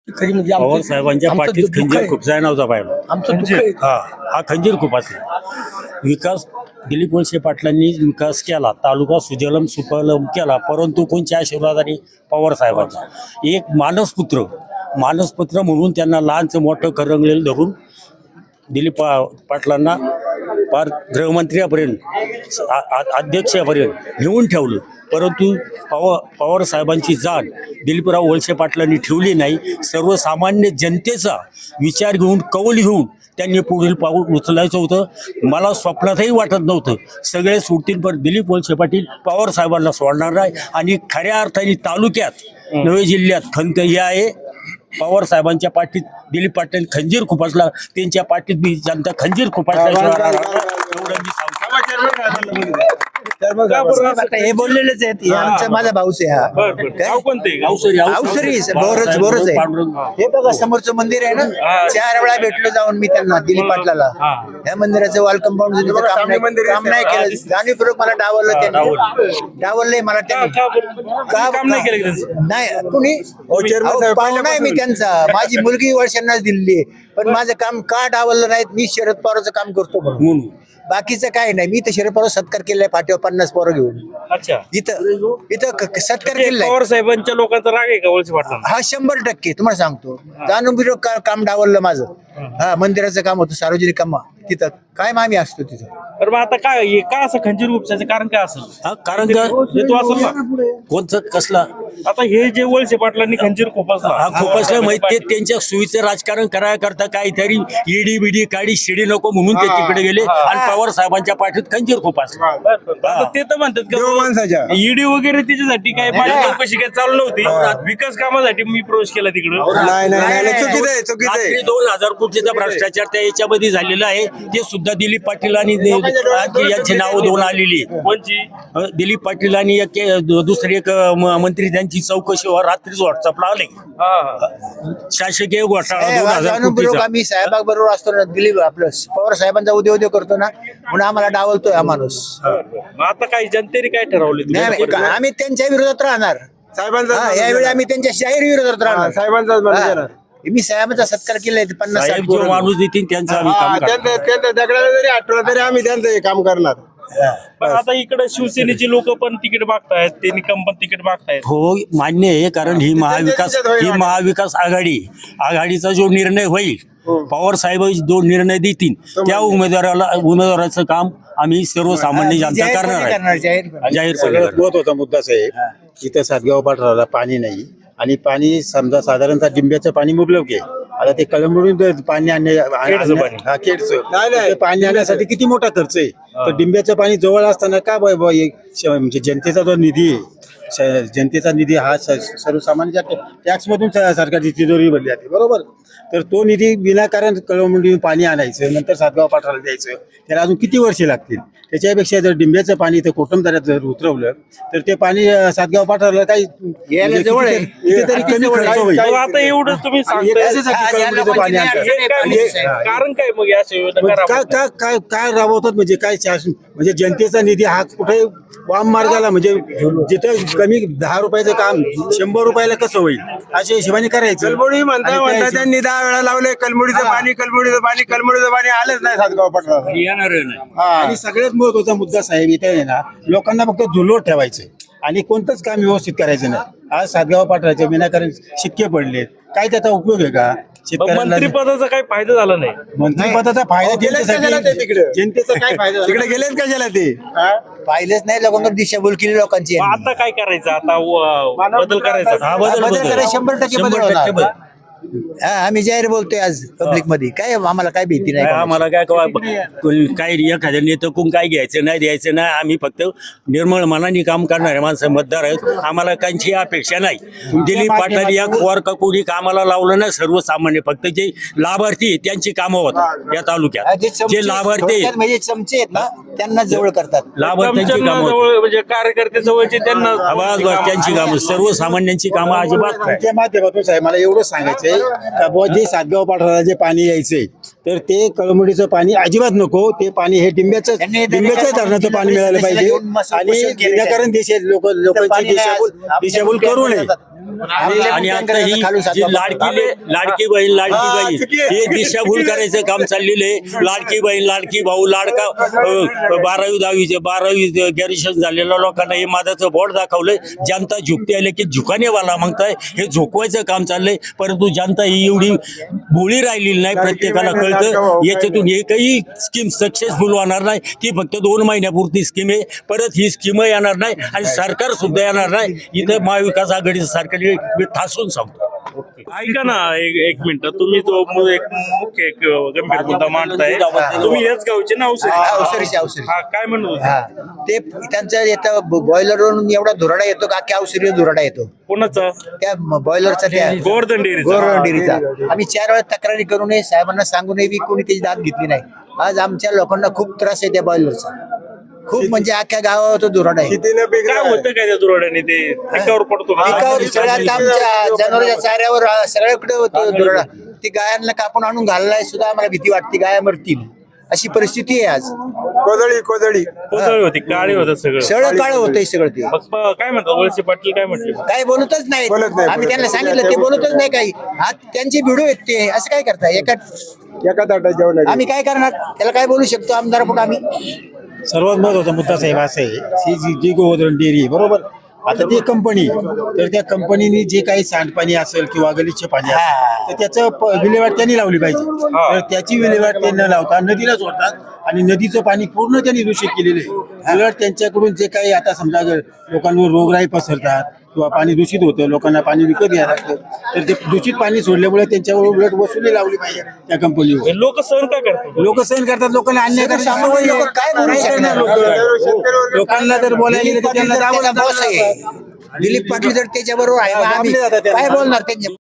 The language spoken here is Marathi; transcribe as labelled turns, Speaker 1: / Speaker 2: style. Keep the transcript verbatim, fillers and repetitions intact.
Speaker 1: खरी म्हणजे
Speaker 2: पवार
Speaker 1: आमचं-
Speaker 2: साहेबांच्या
Speaker 1: आमचं
Speaker 2: पाठीत
Speaker 1: दुःख
Speaker 2: खंजीर
Speaker 1: आहे.
Speaker 2: खुपसाय नव्हता पाहिला.
Speaker 1: आमचं दुःख आहे.
Speaker 2: हा हा खंजीर खुपासला. विकास दिलीप वळसे पाटलांनी विकास केला, तालुका सुजलम सुफलम केला, परंतु कोणत्या आशीर्वादाने? पवार साहेबांचा. एक मानसपुत्र मानसपुत्र म्हणून त्यांना लहानचं मोठं करंगलेलं धरून दिलीप पा पाटलांना पार गृहमंत्र्यापर्यंत आ- आ- अध्यक्षापर्यंत नेऊन ठेवलं. परंतु पवार पवार साहेबांची जाण दिलीपराव वळसे पाटलांनी ठेवली नाही. सर्वसामान्य जनतेचा विचार घेऊन, कौल घेऊन त्यांनी पुढील पाऊल उचलायचं होतं. मला स्वप्नातही वाटत नव्हतं सगळे सुटतील, पण दिलीप वळसे पाटील पवार साहेबांना सोडणार नाही. आणि खऱ्या अर्थाने तालुक्यात नवे जिल्ह्यात खंत ही आहे. पवार साहेबांच्या पाठीत दिलीप पाटील खंजीर खुपासला, त्यांच्या पाठीत मी जनता खंजीर खुपासल्याशिवाय एवढं मी सांगतो.
Speaker 3: आता हे बोललेलेच आहेत. हे आमचा माझा भाऊच आहे हा. काय?
Speaker 2: अवसरी
Speaker 3: अवसरी बोरच बोरच आहे. हे बघा समोरचं मंदिर आहे ना, चार वेळा भेटलो जाऊन मी त्यांना दिलीप पाटलाला. या मंदिराचं वॉल कंपाऊंड काम नाही काम नाही केलं. जाणीवपूर्वक मला डावललं त्यांनी, डावललंय मला त्यांनी. का काम नाही केलं? नाही कुणी पाहुणा आहे मी त्यांचा. माझी मुलगी वर्षांनाच दिलेली आहे, पण माझं काम का डावललं नाहीत? मी शरद पवारचं काम करतो म्हणून. बाकीचं काय नाही. मी तर शरद पवार सत्कार केलाय फाटीवर पन्नास पोरं घेऊन.
Speaker 4: अच्छा,
Speaker 3: इथं इथं क- सत्कार केलाय.
Speaker 4: पवार साहेबांच्या लोकांचा राग आहे का वळसे पाटलांना?
Speaker 3: हा शंभर टक्के तुम्हाला सांगतो. जाणून बिरो का- काम डावललं माझं. हा मंदिराचं काम होतं, सार्वजनिक काम तिथं काय आम्ही असतो तिथं.
Speaker 4: तर मग आता काय हे का असं खंजीर उपसायचं कारण काय असेल?
Speaker 2: हा कारण का
Speaker 4: हेतू असेल ना.
Speaker 2: कोणतं कसला
Speaker 4: आता हे जे वळसे पाटलांनी खंजीर
Speaker 2: हा
Speaker 4: खोपासला,
Speaker 2: खुपासला माहिती ते त्यांच्या सुईचं राजकारण करायला करता काहीतरी ईडी बिडी काडी शिडी नको म्हणून ते तिकडे गेले आणि पवार साहेबांच्या पाठीत खंजीर खुपासला.
Speaker 4: आता ते तर म्हणतात
Speaker 5: माणसाच्या.
Speaker 4: का ईडी वगैरे त्याच्यासाठी काय माझी चौकशी काय चालू नव्हती, विकास कामासाठी मी प्रवेश केला तिकडे.
Speaker 5: नाही नाही नाही, चुकीचं आहे चुकीचं आहे.
Speaker 2: रात्री दोन हजार कोटीचा भ्रष्टाचार त्या याच्यामध्ये झालेला आहे. ते सुद्धा दिलीप पाटील आणि यांची नाव दोन आलेली आहे.
Speaker 4: कोणची?
Speaker 2: अ, दिलीप पाटील आणि एक ए, दु- दुसरे एक अ, म- मंत्री त्यांची चौकशीवर रात्रीच व्हॉट्सअपला आले. शासकीय घोटाळा दोन हजार
Speaker 3: जाणून बिरो
Speaker 2: कोटीचा.
Speaker 3: आम्ही साहेबाबरोबर असतो ना, दिलीप आपलं पवार साहेबांचा उद्या उद्या करतो ना, म्हणून आम्हाला डावलतोय हा माणूस.
Speaker 4: मग आता काय जनतेने काय ठरवले?
Speaker 3: नाही, नाही, आम्ही त्यांच्या विरोधात राहणार.
Speaker 5: साहेबांचा
Speaker 3: हा, यावेळी आम्ही त्यांच्या शाहीर विरोधात राहणार.
Speaker 5: साहेबांचाच माणूस आहे ना.
Speaker 3: हा. मी साहेबांचा सत्कार केलाय ते पन्नास साठ
Speaker 2: साहेब जो
Speaker 3: पोरं.
Speaker 2: माणूस देतील त्यांचं आम्ही
Speaker 5: हा,
Speaker 2: काम करणार.
Speaker 5: त्यांचं त्यांचं दगडाला जरी आठवलं तरी आम्ही त्यांचं हे काम करणार.
Speaker 4: पण आता इकडे शिवसेनेची लोक पण तिकीट मागतायत, ते निकम पण तिकीट मागतायत.
Speaker 2: हो मान्य आहे, कारण ही महाविकास
Speaker 5: त्यांच्यात होईल
Speaker 2: ही महाविकास आघाडी आघाडीचा जो निर्णय होईल, पवार साहेब जो निर्णय देतील त्या उमेदवाराला उमेदवाराचं काम आम्ही सर्वसामान्य जनता
Speaker 3: जाहीरपणे
Speaker 2: करणार आहे.
Speaker 3: करणार, जाहीरपणे.
Speaker 2: जाहीरपणे
Speaker 6: सगळ्यात
Speaker 2: करणार.
Speaker 6: महत्वाचा मुद्दा साहेब, इथं सातगाव पाठराला पाणी नाही आणि पाणी समजा साधारणतः डिंब्याचं पाणी मुबलक आहे. आता ते कळंबडून जर पाणी आणणे
Speaker 4: खेडचं पाणी.
Speaker 6: हा, खेडचं.
Speaker 5: नाही, नाही.
Speaker 6: ते पाणी आणण्यासाठी किती मोठा खर्च आहे. तर डिंब्याचं पाणी जवळ असताना का ब- ब- हे श- म्हणजे जनतेचा जो निधी आहे, श- जनतेचा निधी हा स- सर्वसामान्य टॅक्स मधून स- सरकारची तिजोरी भरली जाते, बरोबर. तर तो निधी विनाकारण कळंबडून पाणी आणायचं, नंतर सातगाव पाठराला द्यायचं, त्याला अजून किती वर्षे लागतील. त्याच्यापेक्षा जर डिंब्याचं पाणी इथं कोटमदऱ्यात जर उतरवलं तर ते पाणी अं, सातगाव पाठराला काही
Speaker 3: यायला जवळ आहे.
Speaker 6: कितीतरी कमी खर्च होईल.
Speaker 4: मग आता एवढं तुम्ही
Speaker 6: आणि हे
Speaker 4: सांगताय,
Speaker 6: कशासाठी
Speaker 3: आज याला
Speaker 6: कळंबडीचं पाणी
Speaker 3: म्हणजे
Speaker 6: आणतात?
Speaker 3: नाही,
Speaker 4: हे काय
Speaker 3: म्हणजे
Speaker 4: म्हणजे कारण काय मग या सेवेला
Speaker 6: म्हणजे
Speaker 4: करा?
Speaker 6: काय काय काय काय राबवतात म्हणजे काय शासन म्हणजे जनतेचा निधी हा कुठे वाम मार्गाला म्हणजे जिथं कमी दहा रुपयाचं काम शंभर रुपयाला कसं होईल अशा हिशोबाने करायचं.
Speaker 5: कलमुडी म्हणता
Speaker 6: आणि त्या
Speaker 5: म्हणता
Speaker 6: हिशोब-
Speaker 5: त्यांनी दहा वेळा लावले कलमुडीचं पाणी कलमुडीचं पाणी कलमुडीचं पाणी आलंच नाही सातगाव पटला.
Speaker 2: येणार आहे ना.
Speaker 6: आणि सगळ्यात महत्वाचा मुद्दा साहेब इथे आहे ना, लोकांना फक्त झुलवत ठेवायचं आणि कोणतंच काम व्यवस्थित करायचं नाही. आज सातगाव पाठराचे विनाकारण शिक्के पडलेत, काय त्याचा उपयोग आहे का? शेतकऱ्यांना
Speaker 4: मंत्रिपदाचा काही फायदा झाला नाही.
Speaker 6: मंत्रिपदाचा फायदा
Speaker 5: अहो, गेलेच कशाला ते
Speaker 6: त्यांच्यासाठी
Speaker 5: तिकडे?
Speaker 6: जनतेचा काय फायदा झाला?
Speaker 5: तिकडे गेलेच कशाला ते?
Speaker 3: पाहिलेच नाही लोकांवर दिशाभूल केली लोकांची.
Speaker 4: मग आता काय करायचं? आता व- बदल करायचा.
Speaker 2: हा बदल
Speaker 3: बदल
Speaker 2: बदल.
Speaker 3: करायला शंभर टक्के बदल
Speaker 2: शंभर टक्के
Speaker 3: होणार.
Speaker 2: बदल.
Speaker 3: हा, आम्ही जाहीर बोलतोय आज पब्लिक मध्ये. काय आम्हाला काय भीती नाही
Speaker 2: काय
Speaker 3: कोणाची.
Speaker 2: आम्हाला काय कवा- काय एखाद्या नेतकून काय घ्यायचं नाही द्यायचं नाही. आम्ही फक्त निर्मळ मनाने काम करणारे माणसं मतदार आहेत. आम्हाला काहीची अपेक्षा नाही. दिलीप पाटील या खोर का कोणी कामाला लावलं नाही. सर्वसामान्य फक्त जे लाभार्थी आहेत, त्यांची कामं होतात या
Speaker 3: हा,
Speaker 2: तालुक्यात.
Speaker 3: जे चमचे-
Speaker 2: जे लाभार्थी
Speaker 3: थोडक्यात
Speaker 2: आहेत,
Speaker 3: म्हणजे चमचे आहेत ना, त्यांना जवळ करतात.
Speaker 2: लाभार्थ्यांची
Speaker 4: चमच्यांना
Speaker 2: कामं होतात.
Speaker 4: जवळ म्हणजे कार्यकर्ते जवळचे त्यांना
Speaker 2: आवाज बस त्यांची कामं, सर्वसामान्यांची कामं अजिबात नाही.
Speaker 6: त्या माध्यमातून साहेब मला एवढं सांगायचंय का बुवा जे सातगाव पाठराला जे पाणी यायचंय तर ते कळमुडीचं पाणी अजिबात नको. ते पाणी हे डिंब्याचं
Speaker 3: त्यांनी-
Speaker 6: डिंब्याच्या धरणाचं पाणी मिळालं पाहिजे
Speaker 3: घेऊन मस्त
Speaker 6: आणि
Speaker 3: पोषण केलेलं आहे.
Speaker 6: विनाकारण देश लोक लोकांची
Speaker 3: पाणी नाही आज.
Speaker 6: दिशाभूल
Speaker 3: आपल्या
Speaker 6: दिशाभूल करू नये.
Speaker 3: मुख्यमंत्र्यांना
Speaker 2: आणि आता ही जी लाडकी लाडकी बहीण लाडकी बहीण हे दिशाभूल करायचं काम चाललेलं आहे. लाडकी बहीण लाडकी भाऊ लाडका अ, बारावी दहावीचे बारावी ग्रॅज्युएशन झालेल्या लोकांना हे माझं बोर्ड दाखवलंय. जनता झुकते आले की झुकानेवाला म्हणताय. हे झोकवायचं काम चाललंय, परंतु जनता ही एवढी भोळी राहिलेली नाही. प्रत्येकाला कळतं याच्यातून एकही स्कीम सक्सेसफुल होणार नाही. ती फक्त दोन महिन्यापुरती स्कीम आहे. परत ही स्कीम येणार नाही आणि सरकार सुद्धा येणार नाही. इथं महाविकास आघाडीचं सरकार मी ठासून सांगतो.
Speaker 4: ऐका ना एक एक मिनिट, तुम्ही तो मु- एक मुख्य एक गंभीर मुद्दा मांडताय. तुम्ही याच गावचे ना औषधी
Speaker 3: अवसरीचे अवसरी
Speaker 4: हा काय म्हणत होते?
Speaker 3: हा ते त्यांचं येतं बॉयलरवरून एवढा धुराडा येतो का अख्ख्या अवसरी धुराडा येतो
Speaker 4: कोणाचा?
Speaker 3: त्या बॉयलरचा त्या
Speaker 4: गोवर्धन डेअरीचा.
Speaker 3: गोरवण डेअरीचा. आम्ही चार वेळा तक्रारी करूनही साहेबांना सांगूनही बी कोणी त्याची दाद घेतली नाही. आज आमच्या लोकांना खूप त्रास आहे त्या बॉयलरचा. खूप म्हणजे अख्ख्या गावावर तो धुराडा आहे.
Speaker 5: कितीनं पीक
Speaker 4: काय होतं काय त्या दुराड्याने? ते पिकावर पडतो का?
Speaker 3: पिकावर सगळ्यात आमच्या जनावरांच्या चाऱ्यावर सगळ्याकडे होतो धुराडा. ती गायांना कापून आणून घाललाय सुद्धा आम्हाला भीती वाटते गाया मरतील अशी परिस्थिती आहे आज.
Speaker 5: कोदळी कोदळी
Speaker 4: कोसळी होती, काळी होतं सगळं.
Speaker 3: सगळं काळ होतंय सगळं ते.
Speaker 4: मग प- काय म्हणतात वळसे पाटील काय म्हटले?
Speaker 3: काय बोलतच नाही.
Speaker 5: बोलत नाही,
Speaker 3: आम्ही
Speaker 5: बोलत
Speaker 3: त्यांना
Speaker 5: नाही.
Speaker 3: सांगितलं ते बोलतच नाही काही. आज त्यांचे भिडू आहेत ते असं काय करताय एका
Speaker 5: एका ताटात जेवण
Speaker 3: आम्ही काय करणार त्याला काय बोलू शकतो आमदार पुढे आम्ही.
Speaker 6: सर्वात महत्वाचा मुद्दा साहेब असा आहे ही जी जी गोवर्धन डेअरी आहे, बरोबर. आता ती कंपनी तर त्या कंपनीने जे काही सांडपाणी असेल किंवा गलिच्छ पाणी असेल तर त्याचं प- विल्हेवाट त्यांनी लावली पाहिजे. तर त्याची विल्हेवाट ते न लावता नदीला सोडतात आणि नदीचं पाणी पूर्ण त्यांनी दूषित केलेलं आहे. उलट त्यांच्याकडून जे काही आता समजा जर लोकांवर रोगराई पसरतात किंवा पाणी दूषित होतं, लोकांना पाणी विकत घ्यायला लागतं, तर ते दूषित पाणी सोडल्यामुळे त्यांच्यावर उलट वसुली लावली पाहिजे त्या कंपनीवर.
Speaker 4: लोक सहन काय करतात?
Speaker 6: लोक सहन करतात, लोकांना अन्याय करतात.
Speaker 3: सामान्य लोकं काय बोलू
Speaker 6: काय करणार
Speaker 3: शकणार?
Speaker 6: लोकं? लोकांना जर बोलायला गेलं
Speaker 3: दिलीप
Speaker 6: तर
Speaker 3: पाटील
Speaker 6: त्यांना
Speaker 3: जर त्याचा
Speaker 6: दाबावं
Speaker 3: boss आहे.
Speaker 6: लागतं.
Speaker 3: दिलीप पाटील जर त्याच्याबरोबर आहे मग आम्ही
Speaker 6: दाबले जातात त्यांना.
Speaker 3: काय बोलणार त्यांच्या